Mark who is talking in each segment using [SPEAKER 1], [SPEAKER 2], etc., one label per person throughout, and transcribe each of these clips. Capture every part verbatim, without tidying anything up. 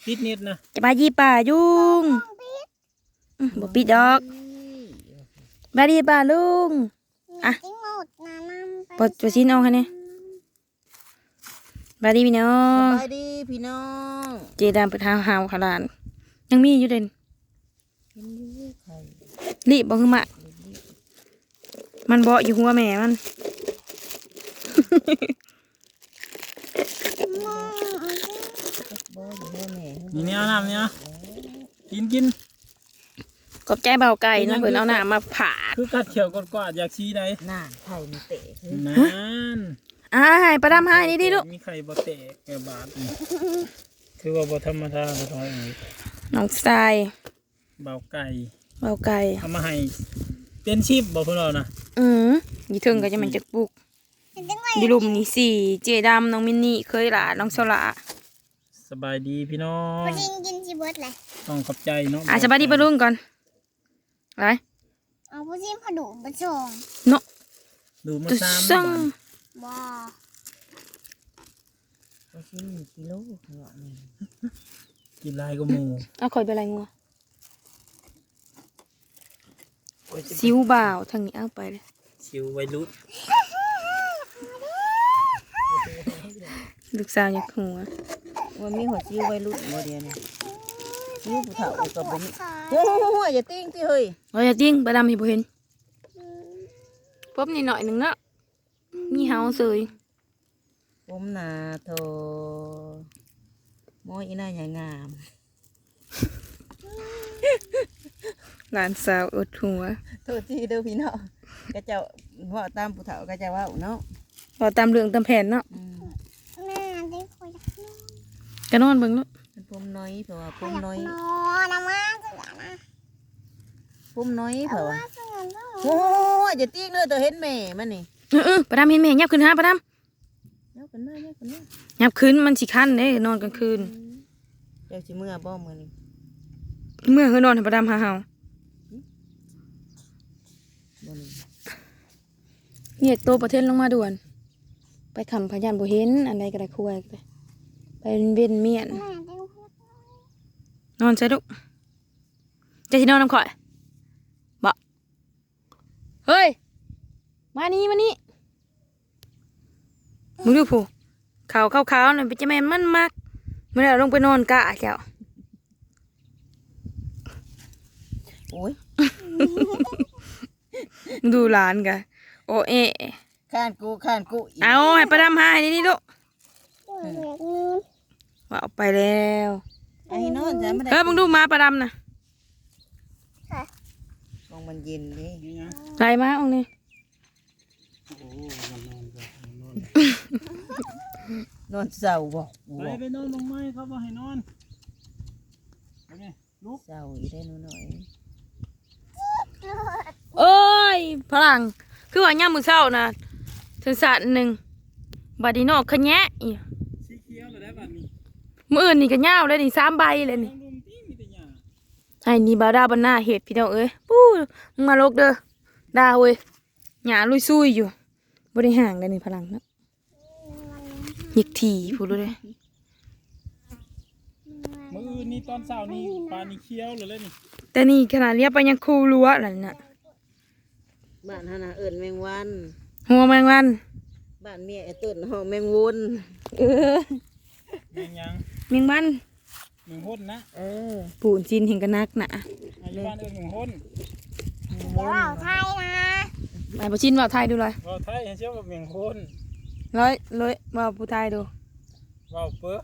[SPEAKER 1] ปิดนิดนะ
[SPEAKER 2] จะบายดีป่ายุงบ่ปิดดอกบายดีป่าลุงอ่ะปลดตัวชิ้นออกให้เนี่ยบายดีพี่น้อง
[SPEAKER 3] บายดีพี่น้อง
[SPEAKER 2] เจดามไปทางหาวขลานยังมีอยู่เด่นรีบบ่คือมะมันเบาะอยู่หัวแม่มัน
[SPEAKER 1] นี่เนี่ยน้ำเนี่ยกินกิน
[SPEAKER 2] กบใจเบาไก่นะเพิ่นเอาหน้ามาผ่า
[SPEAKER 1] คือกัดเขียวกดกวาดอยากชี้ได้
[SPEAKER 3] น่าไข่มีเตะ
[SPEAKER 1] นั่น
[SPEAKER 2] อ่าให้ประดามให้นี่ดิลูก
[SPEAKER 1] มีไข่บ่เตะแกบาดคือว่าบ่ธรรมดาบ่ท้อย
[SPEAKER 2] น้องทราย
[SPEAKER 1] เบาไก่
[SPEAKER 2] เบาไก่
[SPEAKER 1] เอามาให้เป็นชิปบ่พวกเรานะ
[SPEAKER 2] อือยี่ถึงก็จะมันจะปลูกดิลุมนี่สี่เจดำน้องมินนี่เคยหลาน้องโซล่า
[SPEAKER 1] สบายดีพี่น้อง
[SPEAKER 4] พอดีกินชีเบิร์ดเลย
[SPEAKER 1] ต้องขอบใจเนาะ
[SPEAKER 2] อ่ะสบายดีปะลุงก่อนไร
[SPEAKER 4] เอาพอดีพอดูมาส่ง
[SPEAKER 2] เนาะ
[SPEAKER 1] ดูมาซ้
[SPEAKER 4] ำว้า
[SPEAKER 3] พอดีกิโลเหรอนี่
[SPEAKER 1] กินลายก็มู
[SPEAKER 2] เอาคอยไปอะไรงัวซิวบ่าวทางนี้เอาไปเลย
[SPEAKER 1] ชิวไวรุ่น
[SPEAKER 2] ลูกสาวอยากหัว
[SPEAKER 3] ว่ามีหัวจิ้วไว้รุ่นโมเดียนี่จิ้วผู้เฒ่ากับบ่มีโอ้โหอย่าติ้งติเฮ้ย
[SPEAKER 2] โอ้ยอย่าติ้งไปดำให้บ่เห็นปุ๊บนี่หน่อยหนึ่งเนาะมีเฮาเสย
[SPEAKER 3] ผมนาโทมอยอีน่าใหญ่งาม
[SPEAKER 2] หลานสาวอดหัว
[SPEAKER 3] โทษทีเด้อพี่น้องก็จะว่าตามผู้เฒ่าก็จะว่าเนาะ
[SPEAKER 2] ว่าตามเรื่องตามแผนเนาะ
[SPEAKER 4] แม่ได้คุย
[SPEAKER 2] กะนอนเบิ่งลูก
[SPEAKER 3] ผมน้อยเพราะว่าผมน้อย
[SPEAKER 4] นอนนะมาสินะ
[SPEAKER 3] ผมน้อยเพราะว่าโอ้ยอย่าติ้งเลยเธอเห็นแม่มันนี่
[SPEAKER 2] เออประดามเห็นแม่ยับขึ้นฮะประดาม
[SPEAKER 3] ยับขึ้นมายับขึ้นมา
[SPEAKER 2] ยับขึ้นมันสิคันเด้นอนกลางคืน
[SPEAKER 3] เดี๋ยวสิเมื่อบ่มื้อนี้
[SPEAKER 2] เมื่อคือนอนให้ประดามหาเฮาเนี่ยโตประเทศลงมาด่วนไปคำพยานบ่เห็นอะไรก็ได้คุยไปไปเวียนเมียนนอนใช่ลูกจะที่นอนน้ำข่อยบ่เฮ้ยมานี่มานี่มึงดูผู้ขาวขาวขาวหน่อยไปจะแม่มันมากเมื่อเราลงไปนอนกะแก้ว
[SPEAKER 3] โอ้ย
[SPEAKER 2] ดูหลานกันโอเอ
[SPEAKER 3] ข้านกูข้านกู
[SPEAKER 2] เอาให้ประดามหายนี่ลูกว่าเอาไปแล้ว
[SPEAKER 3] ไอ้นอนจะไม่ได้
[SPEAKER 2] เออมึงดูมาประดามนะ
[SPEAKER 3] มองมันเย็นดิ
[SPEAKER 2] ไรมาองนี่
[SPEAKER 3] นอนเศร้าบ่
[SPEAKER 1] ไปไปนอนลงไม้เขาบอกให้นอนลุก
[SPEAKER 3] เศร้าอีได้หน่อย
[SPEAKER 2] เอ้ยพลังคือว่าย่ามือเศร้านะถึงสาดหนึ่งบาดีโนขะแยะอีมืออื่นนี่ก็ย่าวเลยนี่สามใบเลยนี่ไอ้นี่บาดาบันหน้าเห็ดพี่น้องเอ้ยปู้มึงมาลกเด้อดาเว้ยหยาลุยซุยอยู่บริห่างเลยนี่พลังนะยิกถี่พูดเลย
[SPEAKER 1] มืออื่นนี่ตอนเช้านี่ปลานี่เคี้ยวเลยนี่
[SPEAKER 2] แต่นี่ขนาดเรียกไปยังคูรั้วอะไรน่ะ
[SPEAKER 3] บ้านฮานาเอิญแมงวัน
[SPEAKER 2] หัวแมงวัน
[SPEAKER 3] บ้านเมียไอ้ต้นห้องแมงวน
[SPEAKER 2] เออ
[SPEAKER 1] แมงยัง
[SPEAKER 2] แมงวัน
[SPEAKER 1] แมงหุ่นนะ
[SPEAKER 3] เออ
[SPEAKER 2] ปูนจีนเห็นกันนักหนา
[SPEAKER 1] อายุบ้านเอิญแมงหุ่น
[SPEAKER 4] ว่าวไทยนะ
[SPEAKER 2] ไอ้ปชินว่าวไทยดูเลย
[SPEAKER 1] ว่าวไทยเชื่อว่าแมงหุ่น
[SPEAKER 2] ร้อยร้อยว่าวผู้ไทยดู
[SPEAKER 1] ว่าวเปื้อ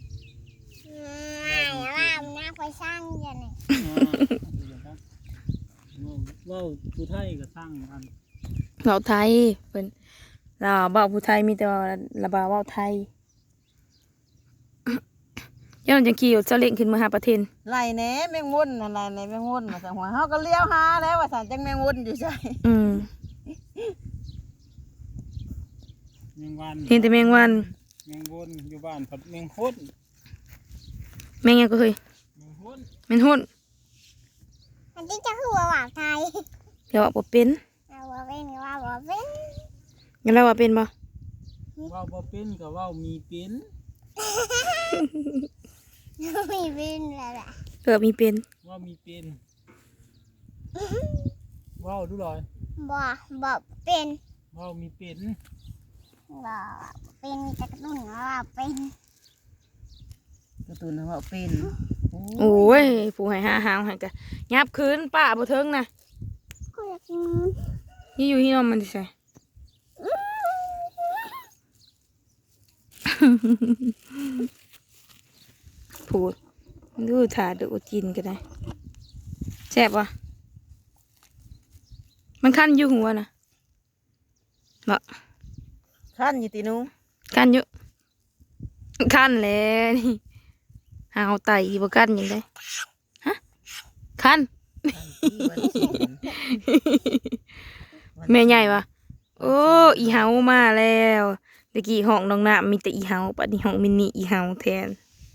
[SPEAKER 4] ว่าวน่าไปสร้างอย่างนี้
[SPEAKER 1] ว่าวผู้ไทยก็สร้างกัน
[SPEAKER 2] ว่าวไทยเป็นเราว่าวผู้ไทยมีแต่ว่าระบาว่าวไทยย้อนจังขี่รถเจ้าเล่งขึ้นมาหาประเทศ
[SPEAKER 3] ไล่แหนแมงวนอะไรในแมงวนมาสั่งหัวเขาก็เลี้ยวหาแล้วว่าสั่งจังแมงวนอยู่ใช่
[SPEAKER 2] อืม
[SPEAKER 1] แมงวัน
[SPEAKER 2] เห็นแต่แมงวัน
[SPEAKER 1] แมงวนอยู่บ้านผัดแมงหุ่น
[SPEAKER 2] แมงยังก็เคย
[SPEAKER 1] แมงหุ่น
[SPEAKER 2] แมงหุ่น
[SPEAKER 4] อันที่จะคือว่าวไทย
[SPEAKER 2] เดี๋ยวว่าเป็น
[SPEAKER 4] ว่าเป็นว่าว่าเป็น
[SPEAKER 2] งั้นเราว่าเป็นบ่
[SPEAKER 1] ว่าบ่เป็นกับว่ามีเป็น
[SPEAKER 4] ไม่เป็นแล้วแหละ
[SPEAKER 2] เกือบมีเป็น
[SPEAKER 1] ว่ามีเป็นว้าวดูหน่อย
[SPEAKER 4] บ่บ่เป็น
[SPEAKER 1] ว้าวมีเป็น
[SPEAKER 4] บ่เป็นมีแต่กระตุ้นว่าเป็น
[SPEAKER 3] การ์ตูนนะว่าเป็น
[SPEAKER 2] โอ้ยผู้ให้หาหาวให้กะยับคืนป้าบ่เทิงนะ
[SPEAKER 4] ก็อยากกิน
[SPEAKER 2] นี่อยู่ที่นอนมันสิใส่ พูดดูถ่าดูกินกันได้แซ่บวะมันคันอยู่หัวนะบ่
[SPEAKER 3] ขั้นอยู่ตีหนู
[SPEAKER 2] คันอยู่คันแล้วนี่หาวไตบ่คันยังได้ฮะคัน
[SPEAKER 3] วันศีล
[SPEAKER 2] แม่ใหญ่วะโอ้อีเฮามาแล้วตะกี้ห้องน้องน้ำมีแต่อีเฮาปัดนี้ห้องมินิอีเฮาแทน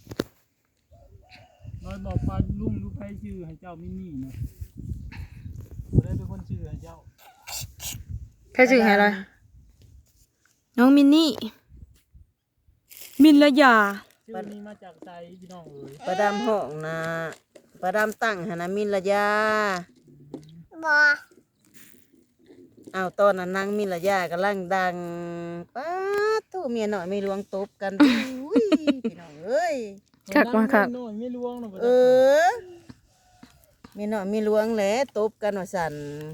[SPEAKER 1] น้อยบอกปลาลุงดูใครชื่อให้เจ้ามินนี่นะบ่ได้เป็นคนชื่อให้เจ้า
[SPEAKER 2] ใครชื่ออะไรน้องมินนี่มินละยา
[SPEAKER 1] ชื่อนี้มาจากใจพี่น้องเอ๋ย
[SPEAKER 3] ประดามห้องนะประดามตั้งหานามินระยา
[SPEAKER 4] บ่
[SPEAKER 3] เอาตอนนั้นนางมินระยากำลังดังป้าตู้เมียหน่อยไม่ลวงตบกันอุ้ยพี่น้องเอ้ย
[SPEAKER 2] คักมาคัก
[SPEAKER 1] น้อยไม่ลวงหรอก
[SPEAKER 3] เออเมียหน่อยไม่ลวงแหละตบกันว่าสั่น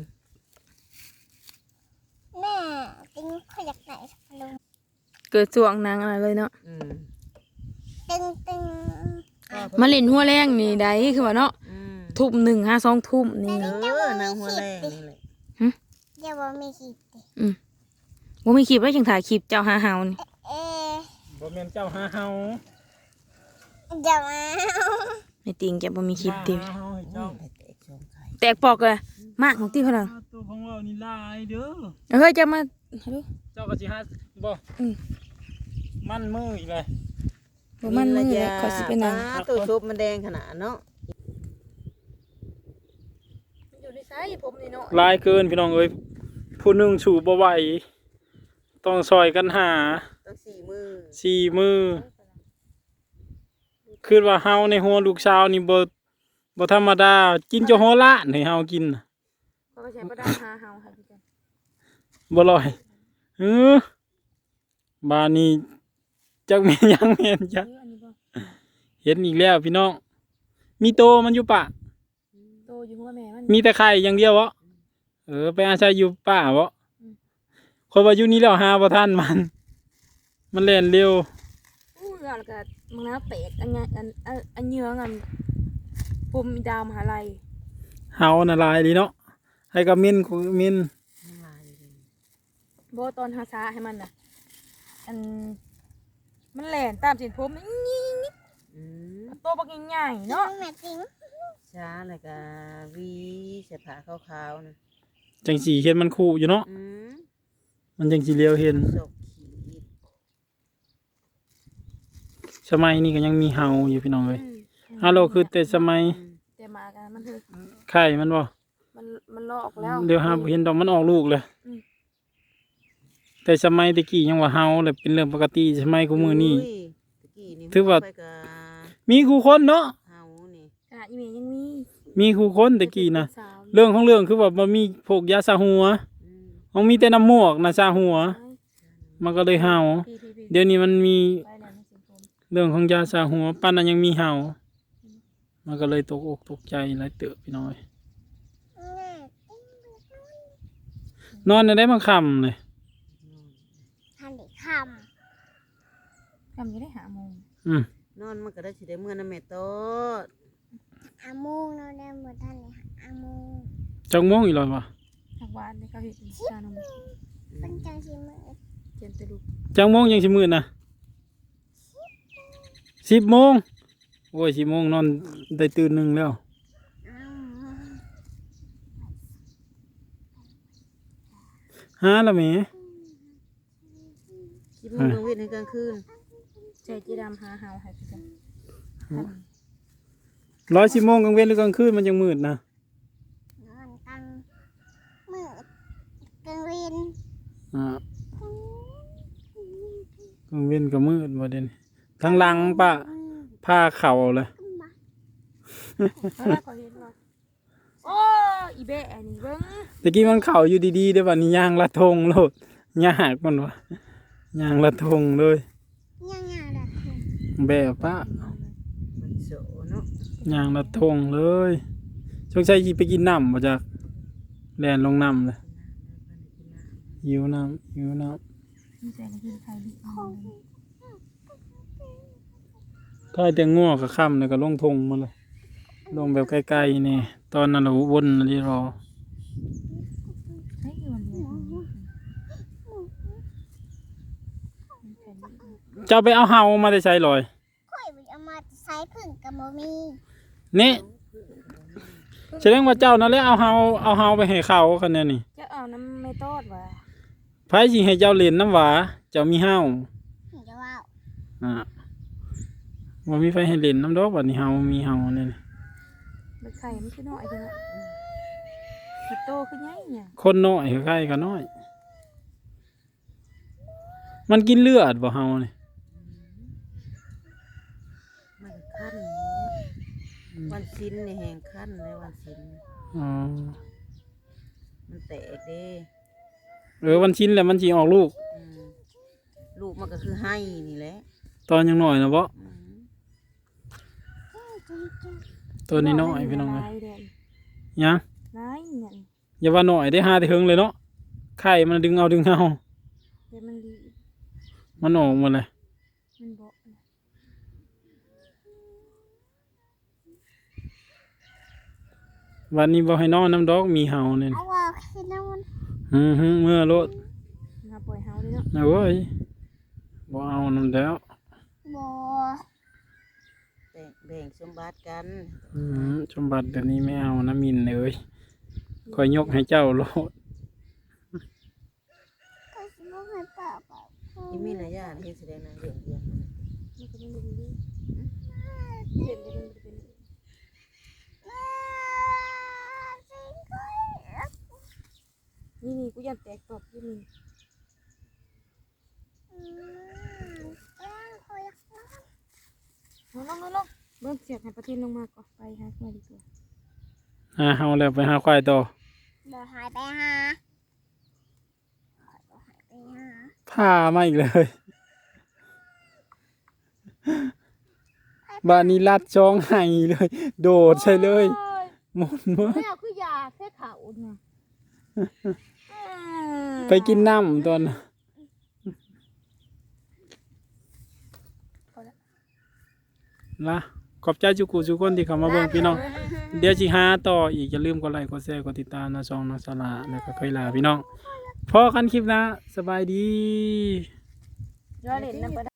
[SPEAKER 4] แม่ติ้งเขาอยากไหนลุง
[SPEAKER 2] เกิดช่วงนางอะไรเลยเนาะ
[SPEAKER 3] อืม
[SPEAKER 4] ตึงตึง
[SPEAKER 2] มาเล่นหัวแรงนี่ได้คือว่าเนาะ
[SPEAKER 3] อืม
[SPEAKER 2] ทุ่มหนึ่งห้าสองทุ่มนี่
[SPEAKER 3] เออนางหัวแรงนี่แหละ
[SPEAKER 4] เดี๋ยวบ่มีขีดติ
[SPEAKER 2] ว่ามีคลิปแล้วยังถ่ายคลิปเจ้าหาเฮานี่
[SPEAKER 4] เอ๊ะ
[SPEAKER 1] บ่แม่นเจ้าหาเฮา
[SPEAKER 4] เดี๋ยวมา
[SPEAKER 2] ไม่ติงแกบ่มีคลิปติ
[SPEAKER 1] หาเฮาให้เจ้า
[SPEAKER 3] ไปแตกช่องไข่
[SPEAKER 2] แตกปอกเลยมากของที่พลัง
[SPEAKER 1] ตัวของเรานี่ลายเด้อ
[SPEAKER 2] เฮ้ยจะมาดู
[SPEAKER 1] เจ้าก็สิหาบ่
[SPEAKER 2] อืม
[SPEAKER 1] มันมืออีกเลย
[SPEAKER 2] บ่มันมือเลยขอสิเป็นนาง
[SPEAKER 3] ป้าตู้ซุปมันแดงขนาดเนาะ
[SPEAKER 2] อยู่ในไซส์ผมนี่เนาะ
[SPEAKER 1] ลายเกินพี่น้องเอ้ยผู้หนึงสูบบ่ไหวต้องซอยกันหา
[SPEAKER 3] ต้องสี่มือ
[SPEAKER 1] สี่มือคือว่าเฮาในหัวลูกสาวนี่บ่บ่ธรรมดากินจะหัวล้านให้เฮากินน่ะ
[SPEAKER 2] เขาก็ใช้ประดาหาเฮาค่ะพี่จัน
[SPEAKER 1] บ่ลอยเออบานนี้จักแม่นยังแม่นจัก
[SPEAKER 2] อันนี้บ่
[SPEAKER 1] เห็นอีกแล้วพี่น้องมีโตมันอยู่ป่ะ
[SPEAKER 2] โตอยู่หัวแม่มัน
[SPEAKER 1] มีแต่ไข่อย่างเดียวบ่เออไปอาศัยอยู่ป่าบ่คนว่าอยู่นี่แล้วหาบ่ทันมัน มันเล่นเร็ว
[SPEAKER 2] อู้แล้วก็มึงน้าแตกอันเนี้ยอันอันอันเนื้ออันผมดาวมหาลัย
[SPEAKER 1] เฮาน่ะลายดีเนาะให้กับมินกูมิน
[SPEAKER 2] บ่ตอนหาซาให้มันน่ะอันมันแหลนตามเส้นผมนี่
[SPEAKER 3] อืม
[SPEAKER 2] โตบักใหญ่ๆเนาะ
[SPEAKER 4] แม่ติ้ง
[SPEAKER 3] ช้าเลยกะวีเสื้อผ้าขาวๆนะ
[SPEAKER 1] จังสีเห็นมันคู่อยู่เนาะ
[SPEAKER 3] อืม
[SPEAKER 1] มันจังสีเลียวเห็น
[SPEAKER 3] ศกขีด
[SPEAKER 1] สมัยนี้ก็ยังมีเฮาอยู่พี่น้องเอ้ยฮัลโหลคือแต่สมัย
[SPEAKER 2] แต่มากันมันคือ
[SPEAKER 1] ไข่มันบ่
[SPEAKER 2] มันมันลอกแล้ว
[SPEAKER 1] เดี๋ยวหาบ่เห็นดอกมันออกลูกเลย
[SPEAKER 2] อืม
[SPEAKER 1] แต่สมัยตะกี้ยังว่าเฮาแหละเป็นเรื่องปกติสมัยกูมือนี้
[SPEAKER 3] ยตะกี้นี่
[SPEAKER 1] ถือว่า
[SPEAKER 3] ไปกะ
[SPEAKER 1] มีคู่คนเนาะ
[SPEAKER 3] เฮานี่
[SPEAKER 2] ขนาดอีเมย์ยังมี
[SPEAKER 1] มีคู่คนตะกี้นะ
[SPEAKER 2] สาว
[SPEAKER 1] เรื่องของเรื่องคือว่ามันมีพวกยาสาหัว
[SPEAKER 3] อืม
[SPEAKER 1] มันมีแต่น้ำมูกนะสาหัว มันก็เลยเฮา
[SPEAKER 2] พี่พี่พี่
[SPEAKER 1] เดี๋ยวนี้มันมี
[SPEAKER 2] ไปแล้วในเส้นผม
[SPEAKER 1] เรื่องของยาสาหัวปั้นนั้นยังมีเห่ามันก็เลยตกอกตกใจหลายเติบพี่น้อย
[SPEAKER 4] แม่ติ้ง
[SPEAKER 1] นอนได้บางคำเลย
[SPEAKER 4] ทันได้ค
[SPEAKER 2] กำจะได้หาโมง
[SPEAKER 1] อืม
[SPEAKER 3] นอนมันก็ได้สิได้เมื่อน้ำแม่โตด
[SPEAKER 4] ำอามูงเราได้หมดทันเลยอามูง
[SPEAKER 1] จังม่วงอีกแล้ววะ
[SPEAKER 2] หักหวานในเขาเห็นชานม
[SPEAKER 4] เป็นจังสิมือ
[SPEAKER 2] เจนตะลุก
[SPEAKER 1] จังม่วงยังสิมืดนะสิบโมงโอ้ยสิบโมงนอนได้ตื่นหนึ่งแล้ว
[SPEAKER 4] อ้าว
[SPEAKER 1] หาและแหม่
[SPEAKER 3] คิดมึงกลางวันในกลางคืน
[SPEAKER 2] ใจจีดำหาเฮาให้พี่จัน
[SPEAKER 1] ร้อยสิบโมงกลางเว้นหรือกลางคืนมันยังมืดนะ
[SPEAKER 4] นอนกลางมืดกลางเวน
[SPEAKER 1] อ่ากลางเว้นก็มืดบ่เด่นทางหลังปะผ้าเข่าเลย
[SPEAKER 2] แล้วเราก็เห็นว่าโอ้อีแบะนี่เบิ่ง
[SPEAKER 1] ตะกี้มันเข่าอยู่ดีๆเด้อบัดนี้ย่างละทงโลดยากมันวะย่างละทงเลย
[SPEAKER 4] ยังไงล่ะคุณ
[SPEAKER 1] แบบปะ
[SPEAKER 3] มันโสเนาะ
[SPEAKER 1] ย่างละทงเลยช่วงใช้ไปกินน้ำมาจากแลนลงน้ำเลยหิวน้ำหิวน้
[SPEAKER 2] มีใจกินไข่ดิบ
[SPEAKER 1] ำถ้าแต่ง่วงกับค่ำเลยก็ลงทงมาเลยลงแบบใกล้ๆนี่ตอนนั้นเราวนที่รอ
[SPEAKER 2] ใช่คือวันนี้
[SPEAKER 1] เจ้าไปเอาเฮามาได้ใช้ลอย
[SPEAKER 4] ค่อยไปเอามาใช้พึ่งกับโมมี
[SPEAKER 1] นี่แสดงว่าเจ้านั่นแหละเอาเฮาเอาเฮาไปให้เขาคันนี้นี่
[SPEAKER 2] จะเอาน้ำไม่ตอดว่ะ
[SPEAKER 1] ไผสิให้เจ้าเล่นน้ำหวาเจ้ามีเฮา
[SPEAKER 4] ถึงจะว่า
[SPEAKER 1] อ่าบ่มีไฟให้เล่นน้ำดอกบัดนี้เฮามีเฮาเนี่ย
[SPEAKER 2] มันไข่มันคือน้อยจังอะมันโตขึ้นใหญ่เนี่ย
[SPEAKER 1] คนน้อยใกล้ๆก็น้อย มันกินเลือดบ่เฮานี่
[SPEAKER 3] มันคันวันสิ้นนี่แหงคันเลยวันสิ้น
[SPEAKER 1] อ๋อ
[SPEAKER 3] มันแตกเด้
[SPEAKER 1] เออวันชิ้นแล้วมันสิออกลูก
[SPEAKER 3] อืมลูกมันก็คือให้นี่แหละ
[SPEAKER 1] ตอนยังน้อยนะบ่
[SPEAKER 3] อืม
[SPEAKER 1] ตัวนี้น้อยพี่น้องเอ้ย
[SPEAKER 2] ลายเด่น
[SPEAKER 1] ยัง
[SPEAKER 2] ลายเนี่ย
[SPEAKER 1] อย่าว่าน้อยได้หาแต่เฮิงเลยเนาะไข่มันดึงเอาดึงเอา
[SPEAKER 2] เดี๋ยวมันดี
[SPEAKER 1] มันออกหมดเลย
[SPEAKER 2] มันบอก
[SPEAKER 1] วันนี้บ่ให้นอนน้ำดอกมีเฮาเนี่ย
[SPEAKER 4] เอาว่าคือน้ำมัน
[SPEAKER 1] ฮึฮึเมื่อรถ
[SPEAKER 2] มาปล่อยเฮาเลยเนาะ
[SPEAKER 1] นะเว้ยบ่เอาน้ำแล้ว
[SPEAKER 4] บ่
[SPEAKER 3] แบ่งแบ่งสมบัติกัน
[SPEAKER 1] อืมสมบัติแบบนี้ไม่เอานะมินเอ้ยคอยยกให้เจ้าโลด
[SPEAKER 4] ก็สิบ่ให้ป้าป้า
[SPEAKER 3] ที่มีระยะที่แสดงนางเรื่องเรื่องมัน
[SPEAKER 2] มันก็ไม่ดีเด่นเด่นเป็น นี่นี่กูอยากแตกตอบที่นี่
[SPEAKER 4] อืมล้างคอยล้าง
[SPEAKER 2] ลงลงลงเบิ้งเสียกให้ประเทศลงมาก่อนไปหาควายดีกว่า
[SPEAKER 1] หาเฮาแล้วไปหาควายต่อ
[SPEAKER 4] บ่หายไปหาบ่หายไปหา
[SPEAKER 1] พามาอีกเลยบ้านนี้ลัดช่องให้เลย โดดใช่เลยหมดเมื่อ
[SPEAKER 2] แม่คือยาแค่เขาเนี่ย
[SPEAKER 1] ไปกินน้ำตอนน่ะละขอบใจจุกุจุกคนที่เข้ามาเบิ่งพี่น้อง เดี๋ยวสิหาต่ออีกอย่าลืมกดไลค์กดแชร์กดติดตามนะช่องน้องสลาแล้วก็เคยลาพี่น้องพอกันคลิปหนะสบายดี
[SPEAKER 2] ยอดเล่นนะ